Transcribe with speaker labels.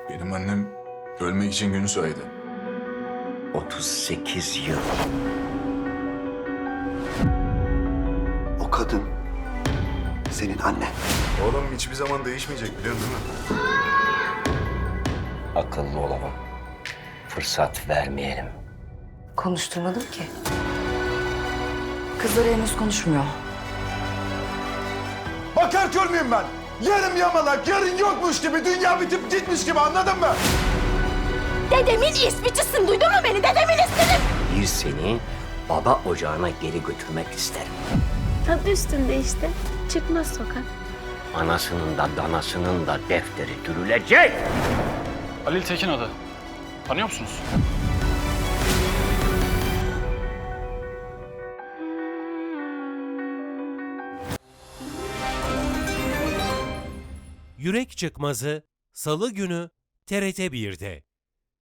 Speaker 1: Benim annem ölmek için günü saydı.
Speaker 2: 38 yıl.
Speaker 3: O kadın senin annen.
Speaker 1: Oğlum hiçbir zaman değişmeyecek biliyorsun değil mi?
Speaker 2: Akıllı olalım. Fırsat vermeyelim.
Speaker 4: Konuşturmadım ki. Kızları henüz konuşmuyor.
Speaker 5: Bakar kör müyüm ben? Yarım yamalak, yarın yokmuş gibi, dünya bitip gitmiş gibi, anladın mı?
Speaker 6: Dedemin ispicisin, duydun mu beni? Dedemin ismini.
Speaker 2: Bir seni baba ocağına geri götürmek isterim.
Speaker 6: Tadı üstünde işte. Çıkmaz sokak.
Speaker 2: Anasının da danasının da defteri dürülecek.
Speaker 7: Halil Tekin adı. Tanıyor musunuz?
Speaker 8: Yürek Çıkmazı Salı günü TRT 1'de.